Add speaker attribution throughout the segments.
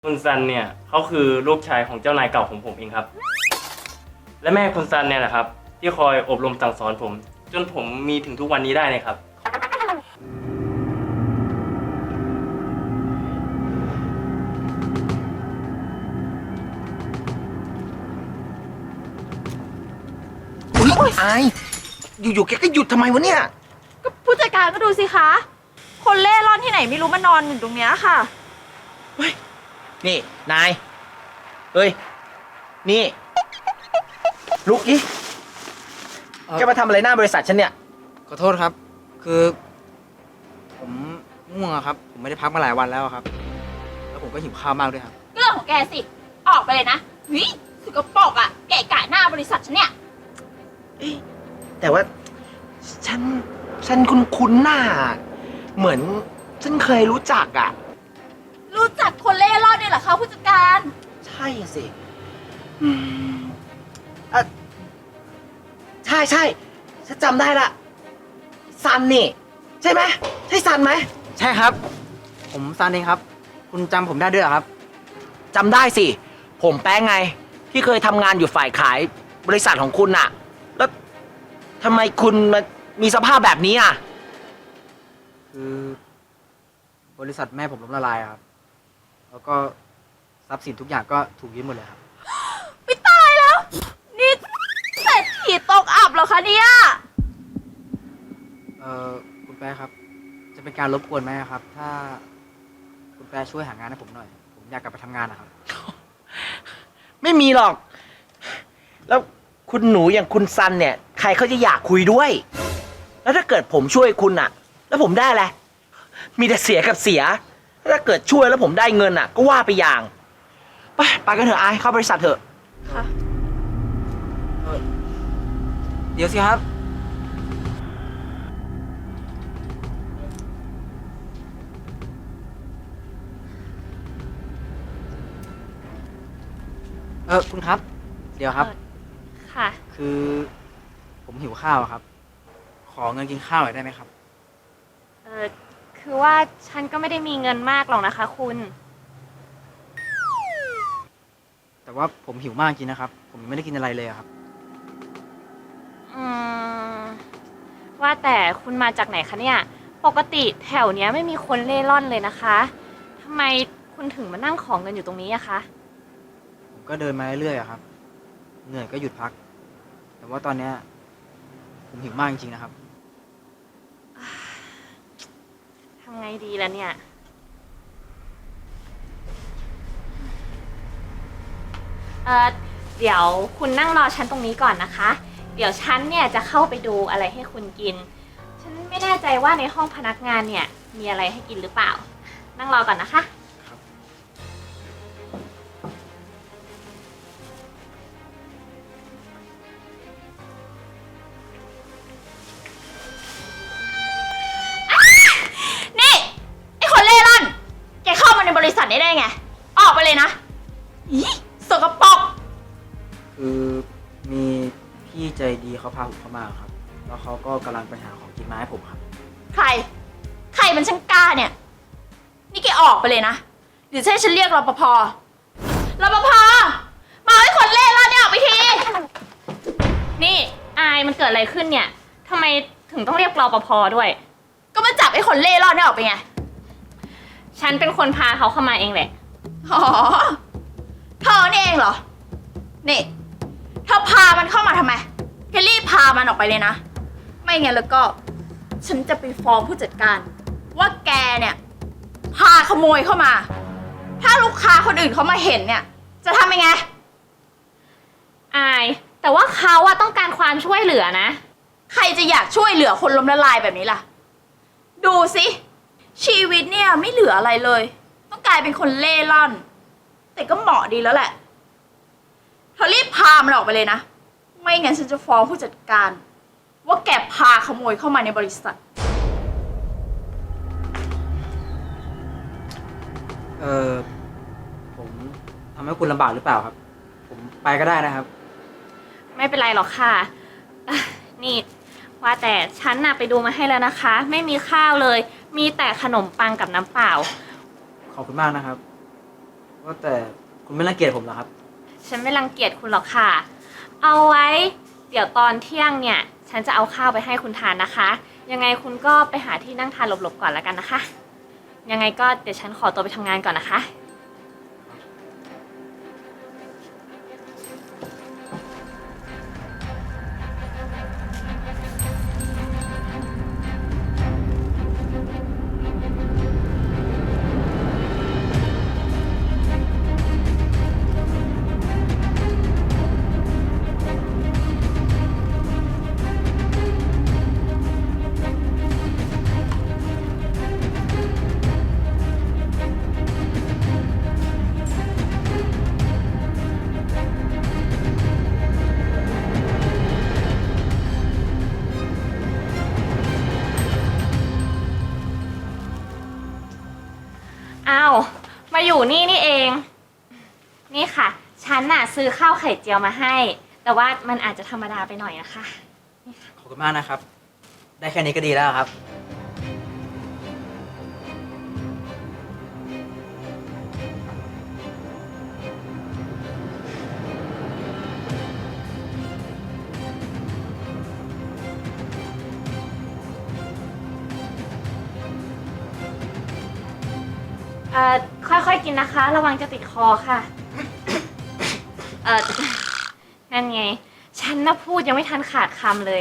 Speaker 1: คุณซันเนี่ยเขาคือลูกชายของเจ้านายเก่าของผมเองครับและแม่คุณซันเนี่ยแหละครับที่คอยอบรมสั่งสอนผมจนผมมีถึงทุกวันนี้ได้เลยครับ
Speaker 2: อุ๊ยอายอยู่ๆแกก็หยุดทำไมวะเนี่ย
Speaker 3: ก็ผู้จัดการก็ดูสิคะ คนเล่ร่อนที่ไหนไม่รู้มานอนอยู่ตรงเนี้ยค่ะ
Speaker 2: นี่นายเฮ้ยนี่ลุกดิแกมาทำอะไรหน้าบริษัทฉันเนี่ย
Speaker 4: ขอโทษครับ คือ ผมง่วงอะครับ ผมไม่ได้พักมาหลายวันแล้วอะครับ แล้วผมก็หิวข้าวมากด้วยครับ
Speaker 3: ก็เรื่องของแกสิ ออกไปเลยนะวิสกปรกอ่ะแกะกะหน้าบริษัทฉันเนี่ย
Speaker 2: แต่ว่าฉันคุ้นๆหน้า เหมือนฉันเคยรู้จักอ่ะ
Speaker 3: รู้จักคนเล่ร่อนเนี่ยเหรอคะผู้จัดการ
Speaker 2: ใช่สิอืมอ่ะใช่ฉันจำได้ละซันนี่ ใช่ไหมใช่ซันไหม
Speaker 4: ใช่ครับ ผมซานเองครับ คุณจำผมได้ด้วยเหรอครับ
Speaker 2: จำได้สิ ผมแป้งไง ที่เคยทำงานอยู่ฝ่ายขายบริษัทของคุณน่ะ แล้วทำไมคุณมามีสภาพแบบนี้อ่ะ
Speaker 4: คือบริษัทแม่ผมล้มละลายครับ แล้วก็ทรัพย์สินทุกอย่างก็ถูกยึดหมดเลยครับ
Speaker 3: ไม่ตายแล้ว นี่เศรษฐีตกอับเหรอคะเนี่ย
Speaker 4: คุณแป๊ะครับ จะเป็นการรบกวนไหมครับ ถ้าคุณแป๊ะช่วยหางานให้ผมหน่อย ผมอยากกลับไปทำงานนะครับ
Speaker 2: ไม่มีหรอก แล้วคุณหนูอย่างคุณซันเนี่ย ใครเขาจะอยากคุยด้วย แล้วถ้าเกิดผมช่วยคุณอ่ะ แล้วผมได้อะไร มีแต่เสียกับเสีย ถ้าเกิดช่วยแล้วผมได้เงินอ่ะ ก็ว่าไปอย่าง ไปกันเถอะอายเข้าบริษัทเถอะ
Speaker 3: ค่ะ
Speaker 4: เดี๋ยวสิครับ คุณครับ เดี๋ยวครับ
Speaker 3: ค่ะ
Speaker 4: คือผมหิวข้าวครับ ขอเงินกินข้าวหน่อยได้ไหมครับ
Speaker 5: คือว่าฉันก็ไม่ได้มีเงินมากหรอกนะคะคุณ
Speaker 4: แต่ว่าผมหิวมากจริงนะครับ ผมยังไม่ได้กินอะไรเลยอะครับ
Speaker 5: อืม ว่าแต่คุณมาจากไหนคะเนี่ย ปกติแถวเนี้ยไม่มีคนเล่ร่อนเลยนะคะทำไมคุณถึงมานั่งของเงินอยู่ตรงนี้อะคะ
Speaker 4: ผมก็เดินมาเรื่อยๆอะครับ เหนื่อยก็หยุดพัก แต่ว่าตอนเนี้ยผมหิวมากจริงๆนะครับ
Speaker 5: ทำไงดีล่ะเนี่ย เดี๋ยวคุณนั่งรอฉันตรงนี้ก่อนนะคะ เดี๋ยวฉันเนี่ยจะเข้าไปดูอะไรให้คุณกิน ฉันไม่แน่ใจว่าในห้องพนักงานเนี่ยมีอะไรให้กินหรือเปล่า นั่งรอก่อนนะคะ
Speaker 3: นี่ไอ้คนเล่ร่อน แกเข้ามาในบริษัทนี้ได้ไง ออกไปเลยนะอีสกปรก
Speaker 4: คือมีพี่ใจดีเขาพาผมเข้ามาครับ แล้วเขาก็กำลังไปหาของกินมาให้ผมครับ
Speaker 3: ใคร ใครมันช่างกล้าเนี่ย นี่แกออกไปเลยนะเดี๋ยวจะให้ฉันเรียกรปภ รปภ มาให้คนเล่ร่อนเนี่ยออกไปที
Speaker 5: นี่อายมันเกิดอะไรขึ้นเนี่ยทำไมถึงต้องเรียกรปภด้วย
Speaker 3: ก็มาจับไอ้คนเล่ร่อนเนี่ยออกไปไง
Speaker 5: ฉันเป็นคนพาเขาเข้ามาเองแหละ
Speaker 3: อ๋อเธอนี่เองเหรอ นี่เธอพามันเข้ามาทำไมแกรีบพามันออกไปเลยนะ ไม่งั้นแล้วก็ ฉันจะไปฟ้องผู้จัดการ ว่าแกเนี่ยพาขโมยเข้ามา ถ้าลูกค้าคนอื่นเขามาเห็นเนี่ย จะทำยังไง
Speaker 5: อาย แต่ว่าเขาอะต้องการความช่วยเหลือนะ
Speaker 3: ใครจะอยากช่วยเหลือคนล้มละลายแบบนี้ล่ะ ดูสิชีวิตเนี่ยไม่เหลืออะไรเลย ต้องกลายเป็นคนเล่ร่อน แต่ก็เหมาะดีแล้วแหละเธอรีบพามันออกไปเลยนะ ไม่งั้นฉันจะฟ้องผู้จัดการ ว่าแกพาขโมยเข้ามาในบริษัท
Speaker 4: ผมทำให้คุณลำบากหรือเปล่าครับ ผมไปก็ได้นะครับ
Speaker 5: ไม่เป็นไรหรอกค่ะอ่ะ นี่ว่าแต่ฉันน่ะไปดูมาให้แล้วนะคะ ไม่มีข้าวเลย มีแต่ขนมปังกับน้ำเปล่า
Speaker 4: ขอบคุณมากนะครับว่าแต่คุณไม่รังเกียจผมเหรอครับ
Speaker 5: ฉันไม่รังเกียจคุณหรอกค่ะ เอาไว้ เดี๋ยวตอนเที่ยงเนี่ย ฉันจะเอาข้าวไปให้คุณทานนะคะ ยังไงคุณก็ไปหาที่นั่งทานหลบๆก่อนแล้วกันนะคะ ยังไงก็เดี๋ยวฉันขอตัวไปทำงานก่อนนะคะ อ้าว มาอยู่นี่เอง นี่ค่ะ ฉันน่ะซื้อข้าวไข่เจียวมาให้ แต่ว่ามันอาจจะธรรมดาไปหน่อยนะคะ
Speaker 4: ขอบคุณมากนะครับ ได้แค่นี้ก็ดีแล้วครับ
Speaker 5: ค่อยๆกินนะคะ ระวังจะติดคอค่ะ นั่นไง ฉันน่ะพูดยังไม่ทันขาดคำเลย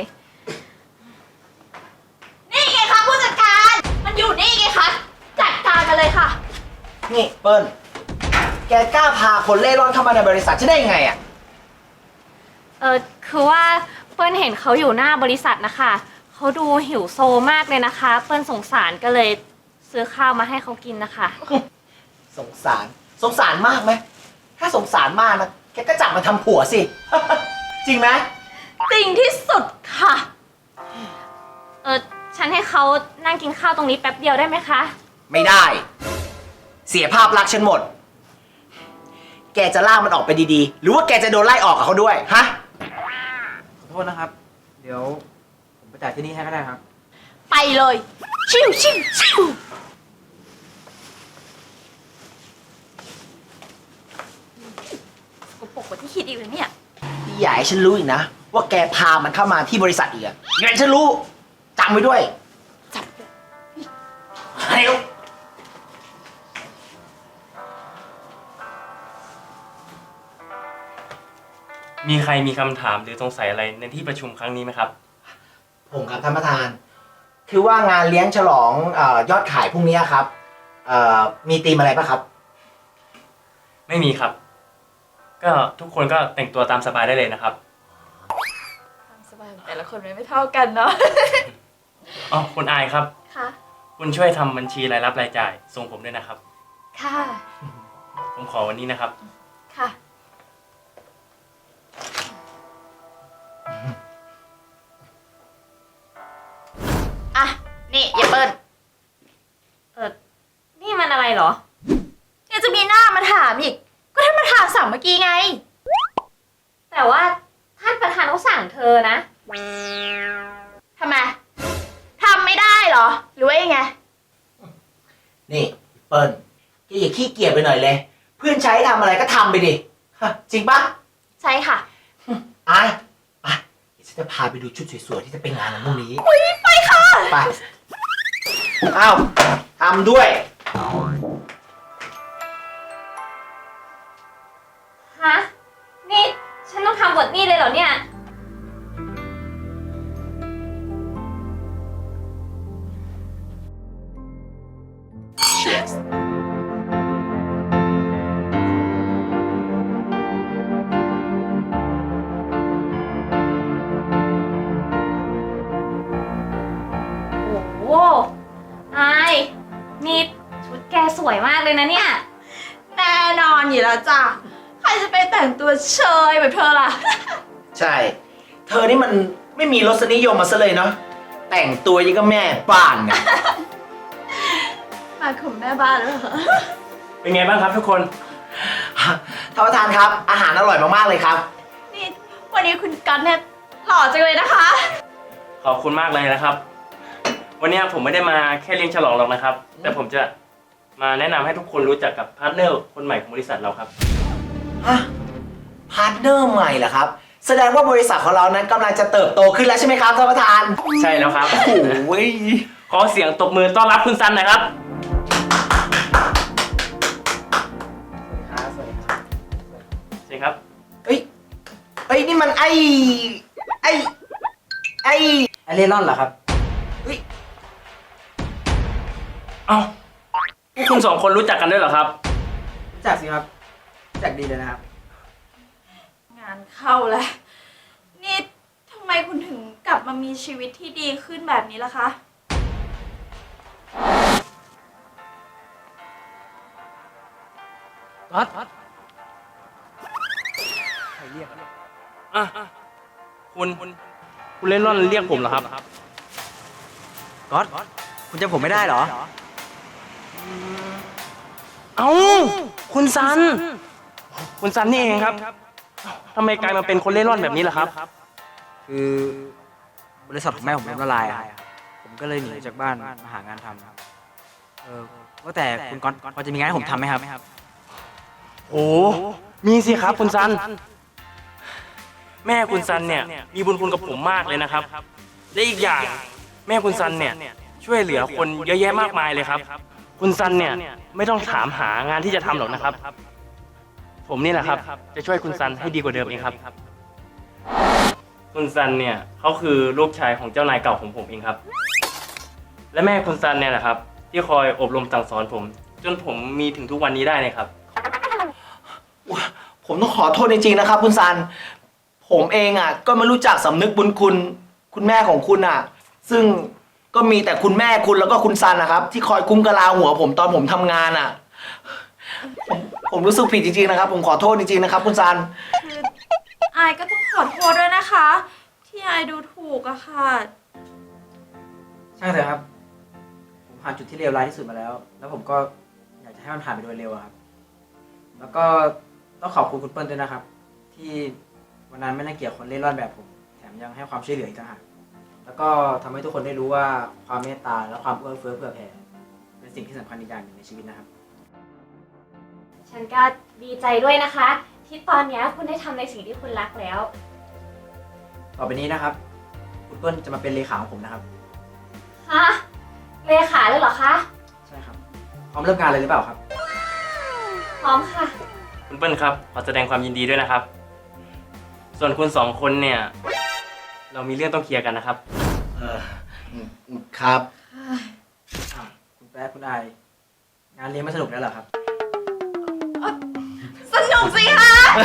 Speaker 3: นี่ไงคะผู้จัดการ มันอยู่นี่ไงคะ จัดการกันเลยค่ะ
Speaker 2: นี่เปิ้ล แกกล้าพาคนเล่ร่อนเข้ามาในบริษัทฉันได้ยังไงอะ
Speaker 5: คือว่าเปิ้ลเห็นเขาอยู่หน้าบริษัทนะคะ เขาดูหิวโซมากเลยนะคะ เปิ้ลสงสารก็เลยซื้อข้าวมาให้เขากินนะคะ
Speaker 2: สงสารมากไหม ถ้าสงสารมากนะ แกก็จับมาทำผัวสิ จริงไหม
Speaker 3: จริงที่สุดค่ะ
Speaker 5: ฉันให้เขานั่งกินข้าวตรงนี้แป๊บเดียวได้ไหมคะ
Speaker 2: ไม่ได้ เสียภาพลักษณ์ฉันหมด แกจะลากมันออกไปดีๆ หรือว่าแกจะโดนไล่ออกกับเขาด้วย ฮะ
Speaker 4: ขอโทษนะครับ เดี๋ยวผมไปจ่ายที่นี่ให้ก็ได้ครับ
Speaker 3: ไปเลย ชิวชิวชิวกูปกกว่าที่คิดอีกเลยเนี่ย
Speaker 2: อย่าให้ฉันรู้อีกนะ ว่าแกพามันเข้ามาที่บริษัทอีกอะงั้นฉันรู้จำไว้ด้วย
Speaker 3: จับ
Speaker 2: เร็ว
Speaker 1: มีใครมีคำถามหรือสงสัยอะไรในที่ประชุมครั้งนี้ไหมครับ
Speaker 2: ผมครับท่านประธาน คือว่างานเลี้ยงฉลองยอดขายพรุ่งนี้ครับมีธีมอะไรปะครับ
Speaker 1: ไม่มีครับ ก็ทุกคนก็แต่งตัวตามสบายได้เลยนะครับ
Speaker 3: ความสบายของแต่ละคนไม่เท่ากันเนาะ
Speaker 1: อ๋อคุณอายครับ
Speaker 3: ค่ะ
Speaker 1: คุณช่วยทำบัญชีรายรับรายจ่ายส่งผมด้วยนะครับ
Speaker 3: ค่ะ
Speaker 1: ผมขอวันนี้นะครับ
Speaker 3: ค่ะ อ่ะ นี่อย่าเปิ้ล
Speaker 5: นี่มันอะไรเหรอ
Speaker 3: ยังจะมีหน้ามาถามอีก ก็ท่านมาถามสั่งเมื่อกี้ไง
Speaker 5: แต่ว่าท่านประธานเขาสั่งเธอนะ
Speaker 3: ทำไม ทำไม่ได้เหรอ หรือว่ายังไง
Speaker 2: นี่เปิ้ลแกอย่าขี้เกียจไปหน่อยเลย เพื่อนใช้ทำอะไรก็ทำไปดิฮะจริงปะ
Speaker 3: ใช่ค่ะ
Speaker 2: อายไปเดี๋ยวฉันจะพาไปดูชุดสวยๆที่จะไปงานวันพรุ่งนี้
Speaker 3: ไปค่ะ
Speaker 2: ไปอ้าวทำด้วย
Speaker 5: ฮะ นี่ฉันต้องทำบทนี้เลยเหรอเนี่ย โอ้โหอายนี่ชุดแกสวยมากเลยนะเนี่ย
Speaker 3: แน่นอนอยู่แล้วจ้ะ ใครจะไปแต่งตัวเชยแบบเธอล่ะ
Speaker 2: ใช่ เธอนี่มันไม่มีรสนิยมมาซะเลยเนาะ แต่งตัวยังก็แม่บ้านเนี่ย
Speaker 3: มาของแม่บ้านแล้วเหรอ
Speaker 1: เป็นไงบ้างครับทุกคน
Speaker 2: ท่านประธานครับ อาหารอร่อยมากๆเลยครับ
Speaker 3: นี่วันนี้คุณก๊อตเนี่ยหล่อจังเลยนะคะ
Speaker 1: ขอบคุณมากเลยนะครับ วันนี้ผมไม่ได้มาแค่เลี้ยงฉลองหรอกนะครับ แต่ผมจะมาแนะนำให้ทุกคนรู้จักกับพาร์ทเนอร์คนใหม่ของบริษัทเราครับ
Speaker 2: ฮะ พาร์ทเนอร์ใหม่เหรอครับ แสดงว่าบริษัทของเรานั้นกำลังจะเติบโตขึ้นแล้วใช่ไหมครับท่านประธาน
Speaker 1: ใช่แล้วครับ
Speaker 2: โอ้ย
Speaker 1: ขอเสียงตบมือต้อนรับคุณซันหน่อยครับ
Speaker 2: สวัสดีครับ
Speaker 1: ใช่ครับ
Speaker 2: เอ้ยนี่มันไอ
Speaker 4: ไอเล่ร่อนเหรอครับ
Speaker 2: เฮ้ย
Speaker 1: เอ้าพวกคุณสองคนรู้จักกันด้วยเหรอครับ
Speaker 4: รู้จักสิครับรู้จักดีเลยนะครับ
Speaker 3: งานเข้าแล้ว นี่ทำไมคุณถึงกลับมามีชีวิตที่ดีขึ้นแบบนี้ล่ะคะ
Speaker 4: ก๊อต
Speaker 1: อ่ะคุณเล่นร่อนเรียกผมเหรอครับ
Speaker 4: ก๊อต คุณจำผมไม่ได้เหรอ
Speaker 1: เอ้า คุณซัน คุณซันนี่เองครับทำไมกลายมาเป็นคนเล่ร่อนแบบนี้ล่ะครับ
Speaker 4: คือบริษัทของแม่ผมล้มละลายอะผมก็เลยหนีจากบ้านมาหางานทำครับว่าแต่คุณก๊อตพอจะมีงานให้ผมทำไหมครับ
Speaker 1: โอ้มีสิครับคุณซัน แม่คุณซันเนี่ยมีบุญคุณกับผมมากเลยนะครับและอีกอย่างแม่คุณซันเนี่ยช่วยเหลือคนเยอะแยะมากมายเลยครับ คุณซันเนี่ยไม่ต้องถามหางานที่จะทำหรอกนะครับ ผมนี่แหละครับจะช่วยคุณซันให้ดีกว่าเดิมเองครับ คุณซันเนี่ยเขาคือลูกชายของเจ้านายเก่าของผมเองครับ และแม่คุณซันเนี่ยแหละครับที่คอยอบรมสั่งสอนผม จนผมมีถึงทุกวันนี้ได้เลยครับ
Speaker 2: ผมต้องขอโทษจริงๆนะครับ คุณซัน ผมเองอ่ะก็ไม่รู้จักสำนึกบุญคุณแม่ของคุณอ่ะ ซึ่งก็มีแต่คุณแม่คุณแล้วก็คุณซันนะครับ ที่คอยคุ้มกะลาหัวผมตอนผมทำงานอ่ะ ผมรู้สึกผิดจริงๆนะครับ ผมขอโทษจริงๆนะครับ คุณซัน
Speaker 3: คืออายก็ต้องขอโทษด้วยนะคะ ที่อายดูถูกอะค่ะ
Speaker 4: ช่างเถอะครับ ผมผ่านจุดที่เลวร้ายที่สุดมาแล้ว แล้วผมก็อยากจะให้มันผ่านไปโดยเร็วอะครับ แล้วก็ต้องขอบคุณคุณเปิ้ลด้วยนะครับ ที่วันนั้นไม่น่าเกลียดคนเล่ร่อนแบบผม แถมยังให้ความช่วยเหลืออีกต่างหากแล้วก็ทำให้ทุกคนได้รู้ว่าความเมตตาและความเอื้อเฟื้อเผื่อแผ่เป็นสิ่งที่สำคัญอีกอย่างหนึ่งในชีวิตนะครับ
Speaker 5: ฉันก็ดีใจด้วยนะคะ ที่ตอนเนี้ยคุณได้ทำในสิ่งที่คุณรักแล้ว
Speaker 4: ต่อไปนี้นะครับ คุณเปิ้ลจะมาเป็นเลขาของผมนะครับ
Speaker 5: ฮะ เลขาเลยเหรอคะ
Speaker 4: ใช่ครับ พร้อมเริ่มงานเลยหรือเปล่าครับ
Speaker 5: พร้อมค่ะ
Speaker 1: คุณเปิ้ลครับขอแสดงความยินดีด้วยนะครับ ส่วนคุณสองคนเนี่ย เรามีเรื่องต้องเคลียร์กันนะครับ
Speaker 2: ครับ
Speaker 4: อ้าวคุณแป๊ะคุณอายงานเลี้ยงไม่สนุกแล้วเหรอครับ
Speaker 3: สนุกสิคะ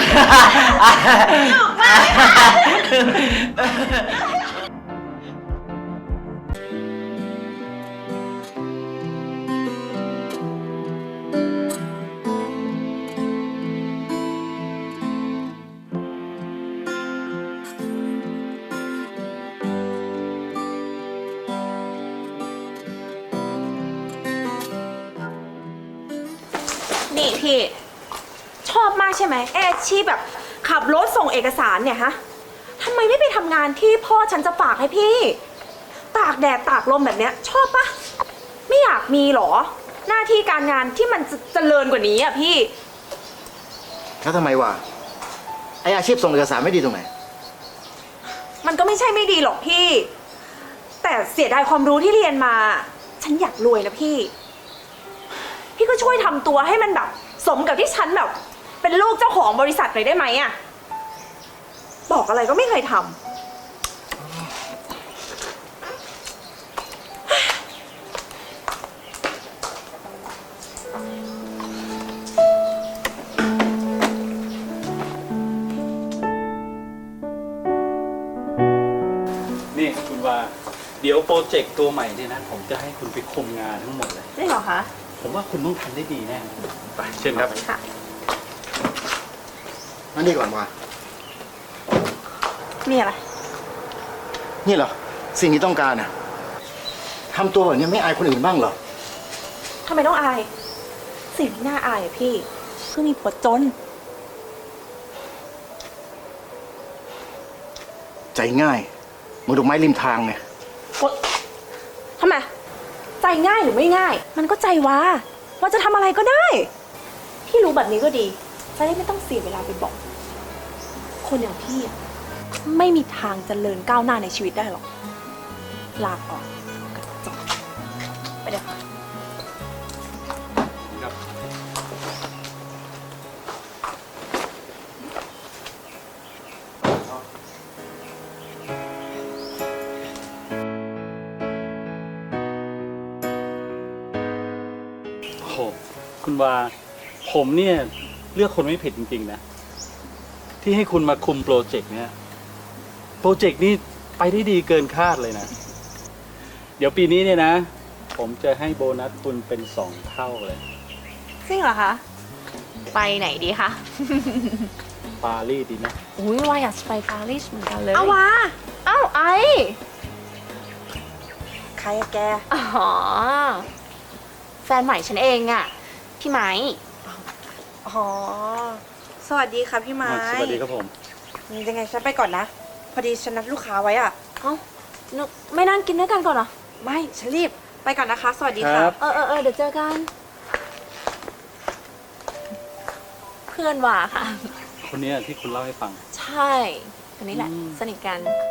Speaker 6: นี่พี่ชอบมากใช่ไหมอาชีพแบบขับรถส่งเอกสารเนี่ยฮะทำไมไม่ไปทำงานที่พ่อฉันจะฝากให้พี่ ตากแดดตากลมแบบเนี้ยชอบปะไม่อยากมีหรอ หน้าที่การงานที่มันจะเจริญกว่านี้อ่ะพี่
Speaker 7: แล้วทำไมวะไออาชีพส่งเอกสารไม่ดีตรงไหน
Speaker 6: มันก็ไม่ใช่ไม่ดีหรอกพี่ แต่เสียดายความรู้ที่เรียนมา ฉันอยากรวยนะพี่ พี่ก็ช่วยทำตัวให้มันแบบ สมกับที่ฉันแบบ เป็นลูกเจ้าของบริษัทหน่อยได้ไหมอะบอกอะไรก็ไม่เคยทำ
Speaker 8: นี่คุณว่าเดี๋ยวโปรเจกต์ตัวใหม่เนี่ยนะ ผมจะให้คุณไปคุมงานทั้งหมดเลย
Speaker 6: ได้เหรอคะ
Speaker 8: ผมว่าคุณต้องทำได้ดีแน่
Speaker 1: ไปเชิญครับ
Speaker 6: ค่ะ
Speaker 7: นั่นดีก่อนวะ
Speaker 6: มีอะไร
Speaker 7: นี่เหรอ สิ่งที่ต้องการน่ะทำตัวแบบนี้ไม่อายคนอื่นบ้างเหรอ
Speaker 6: ทำไมต้องอาย สิ่งที่น่าอายอะพี่คือมีผัวจน
Speaker 7: ใจง่ายเหมือนดอกไม้ริมทางไง
Speaker 6: ทำไม ใจง่ายหรือไม่ง่าย มันก็ใจว่าว่าจะทำอะไรก็ได้ พี่รู้แบบนี้ก็ดีจะได้ไม่ต้องเสียเวลาไปบอก คนอย่างพี่อะไม่มีทางเจริญก้าวหน้าในชีวิตได้หรอก ลาก่อนกระจอกไปเลยค่ะ
Speaker 8: ครับ โอ้โหคุณวาผมเนี่ยเลือกคนไม่ผิดจริงๆนะ ที่ให้คุณมาคุมโปรเจกต์เนี้ยโปรเจกต์นี้ไปได้ดีเกินคาดเลยนะ เดี๋ยวปีนี้เนี่ยนะ ผมจะให้โบนัสคุณเป็น2 เท่าเลย
Speaker 6: จริงเหรอคะ
Speaker 5: ไปไหนดีคะ
Speaker 8: ปารีสดีนะ
Speaker 5: อุ้ยว่าอยากจะไปปารีสเหมือนกันเลย
Speaker 6: เอาวะ
Speaker 5: เอ้าไอ
Speaker 6: ใครอะแก
Speaker 5: อ๋อ แฟนใหม่ฉันเองอะพี่ไม้
Speaker 6: อ๋อ สวัสดีค่ะพี่ไม้
Speaker 8: สวัสดีครับผม
Speaker 6: ยังไงฉันไปก่อนนะ พอดีฉันนัดลูกค้าไว้อะ
Speaker 5: เอ้านึกไม่นั่งกินด้วยกันก่อนเหรอ
Speaker 6: ไม่ ฉันรีบ ไปก่อนนะคะ สวัสดี
Speaker 8: ค
Speaker 6: ค่ะ
Speaker 8: รับ
Speaker 5: เออเดี๋ยวเจอกัน เพื่อนว่าค่ะ
Speaker 8: คนเนี้ยที่คุณเล่าให้ฟัง
Speaker 5: ใช่คนนี้แหละ
Speaker 8: อืม
Speaker 5: สนิทกัน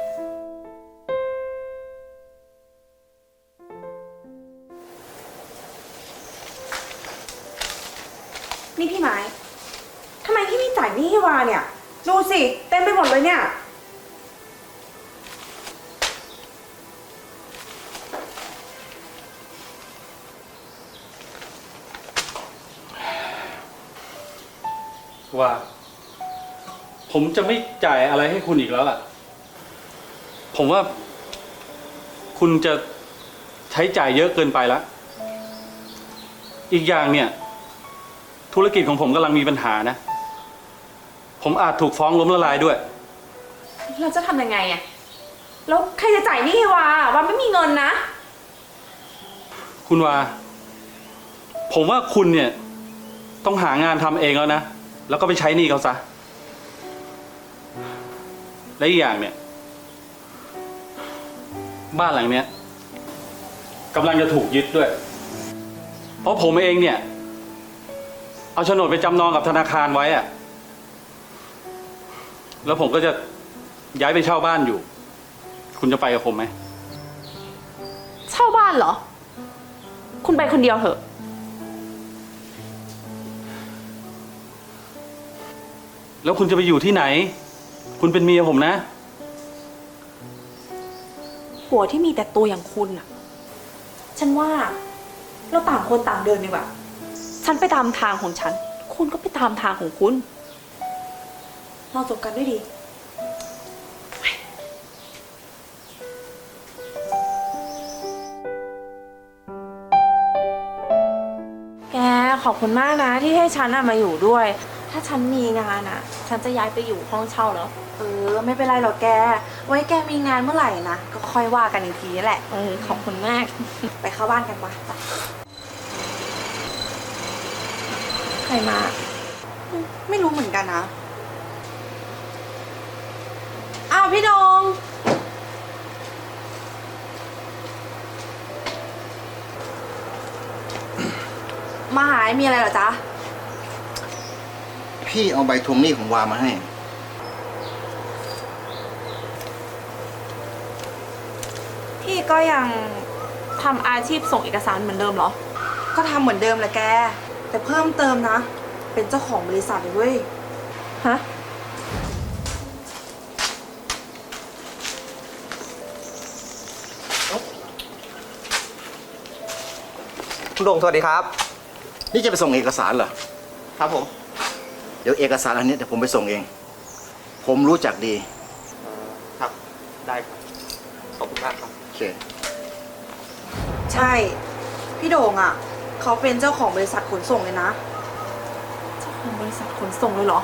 Speaker 6: นี่พี่ไม้ทำไมพี่ไม่จ่ายหนี้ให้วาเนี่ย ดูสิ เต็มไปหมดเลยเนี่ย
Speaker 8: ว่า ผมจะไม่จ่ายอะไรให้คุณอีกแล้วล่ะ ผมว่า คุณจะใช้จ่ายเยอะเกินไปแล้ว อีกอย่างเนี่ย ธุรกิจของผมกำลังมีปัญหานะ ผมอาจถูกฟ้องล้มละลายด้วย
Speaker 6: เราจะทำยังไงอะแล้วใครจะจ่ายหนี้ให้วาวาไม่มีเงินนะ
Speaker 8: คุณว่า ผมว่าคุณเนี่ย ต้องหางานทำเองแล้วนะ แล้วก็ไปใช้หนี้เขาซะ และอีกอย่างเนี่ย บ้านหลังเนี้ยกำลังจะถูกยึดด้วย เพราะผมเองเนี่ย เอาโฉนดไปจำนองกับธนาคารไว้อะแล้วผมก็จะย้ายไปเช่าบ้านอยู่ คุณจะไปกับผมไหม
Speaker 6: เช่าบ้านเหรอ คุณไปคนเดียวเถอะ
Speaker 8: แล้วคุณจะไปอยู่ที่ไหน คุณเป็นเมียผมนะ
Speaker 6: ผัวที่มีแต่ตัวอย่างคุณอะฉันว่าเราต่างคนต่างเดินดีกว่า ฉันไปตามทางของฉัน คุณก็ไปตามทางของคุณ เราจบกันด้วยดี แกขอบคุณมากนะที่ให้ฉันมาอยู่ด้วย ถ้าฉันมีงานฉันจะย้ายไปอยู่ห้องเช่าแล้ว ไม่เป็นไรหรอกแก ไว้แกมีงานเมื่อไหร่นะ ก็ค่อยว่ากันอีกทีแหละ
Speaker 5: ขอบคุณมาก
Speaker 6: ไปเข้าบ้านกันปะใครมา ไม่รู้เหมือนกันนะ อ้าวพี่ดง มาหายมีอะไรเหรอจ๊ะ
Speaker 7: พี่เอาใบทวงหนี้ของวามาให้
Speaker 6: พี่ก็ยังทำอาชีพส่งเอกสารเหมือนเดิมเหรอ ก็ทำเหมือนเดิมแหละแก แต่เพิ่มเติมนะ เป็นเจ้าของบริษัทเลยเว้ย ฮะ
Speaker 2: คุณโด่งสวัสดีครับ
Speaker 7: นี่จะไปส่งเอกสารเหรอ
Speaker 2: ครับผม
Speaker 7: เดี๋ยวเอกสารอันนี้เดี๋ยวผมไปส่งเอง ผมรู้จักดี
Speaker 2: ครับ ได้ครับ ขอบคุณมากครับ
Speaker 7: โอเค
Speaker 6: ใช่ พี่โด่งเขาเป็นเจ้าของบริษัทขนส่งเลยนะ เจ้าของบริษัทขนส่งเลยเหรอ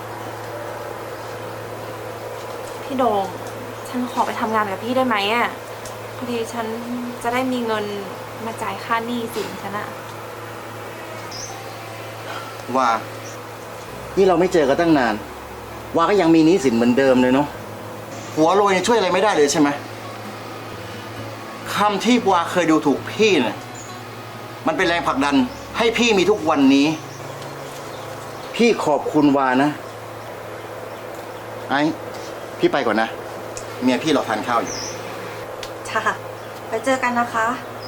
Speaker 6: พี่โด่งฉันขอไปทำงานกับพี่ได้ไหมพอดีฉันจะได้มีเงินมาจ่ายค่าหนี้สินฉัน
Speaker 7: ว่า นี่เราไม่เจอกันตั้งนาน ว่าก็ยังมีหนี้สินเหมือนเดิมเลยเนาะ หัวโรยเนี่ยช่วยอะไรไม่ได้เลยใช่ไหมคำที่วาเคยดูถูกพี่เนี่ยมันเป็นแรงผลักดันให้พี่มีทุกวันนี้ พี่ขอบคุณวานะ ไอ้พี่ไปก่อนนะ เมียพี่รอทานข้าวอยู่
Speaker 6: ค่ะ ไปเจอกันนะคะ